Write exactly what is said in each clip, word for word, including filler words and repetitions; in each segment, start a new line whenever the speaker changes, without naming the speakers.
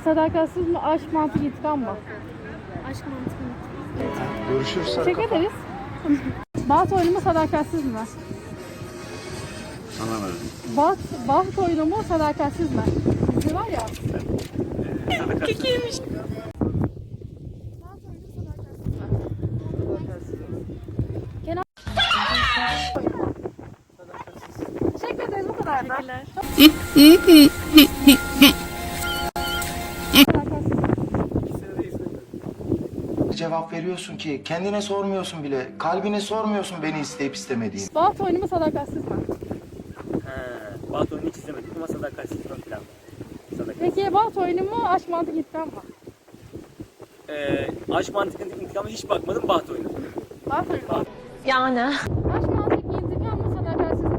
sadakatsiz mi, aşk, mantık, intikam mı?
Aşk mantıklı.
Görüşürüz.
Teşekkür ederiz. Baht oyunu mu, sadakatsiz mi?
Anlamadım.
Baht, baht oyunu mu, sadakatsiz mi? Dizi var ya.
Kekiymiş.
Baht oyunu, sadakatsiz mi? Kenan. Teşekkür ederiz, bu kadar da.
Teşekkürler.
Cevap veriyorsun ki kendine sormuyorsun bile. Kalbine sormuyorsun beni isteyip istemediğini.
Baht oyunu mu, sadakatsiz mi?
He, Baht oyunu hiç izlemedik ama sadakatsiz ön plan. Sadakat.
Peki baht oyunu mu, aşk, mantık, intikam mı?
Ee, aşk mantıklı intikamı hiç bakmadım Baht oyunu.
Baht oyunu mu?
Yani.
Aşk, mantık, intikam mı, sadakatsiz mi?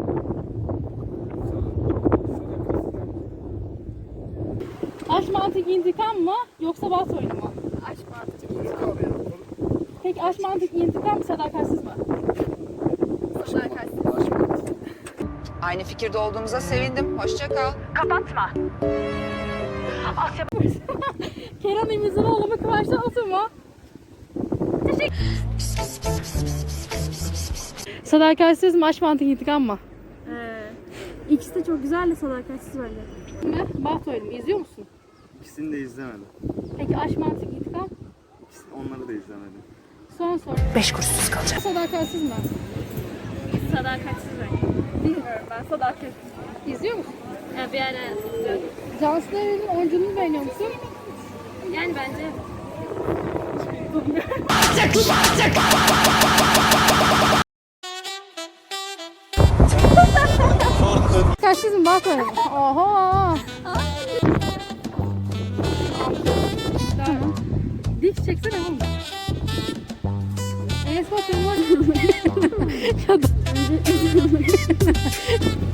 Aşk, mantık, intikam mı, yoksa baht oyunu mu?
Aşk mantıklı.
Peki aşk, mantık, intikam mı, sadakatsiz mi?
Sadakatsiz.
Aynı fikirde olduğumuza sevindim. Hoşça kal.
Kenan İmirzalıoğlu mu, Kıvanç Tatlıtuğ mu? Teşekkür. Sadakatsiz mi, aşk, mantık, intikam mı?
Ee, ikisi de çok güzel de sadakatsiz bence.
Mi? Baht oyunu mu? İzliyor musun?
İkisini de izlemedim.
Peki aşk, mantık, intikam?
İkisini, onları da izlemedim.
Son soru.
Beş kuruşsuz kalacak.
Sadakatsiz mi?
Sadakatsiz bence. Bilmiyorum ben sadakatsiz.
İzliyor musun?
Yani bir ara izliyorum.
Cansu Demirel'in oyunculuğunu beğeniyor musun?
Yani bence
Sadakatsiz mi, baht oyunu mu? Oho! Tamam. Dik çeksene oğlum. Enes Batur mu? Ya da-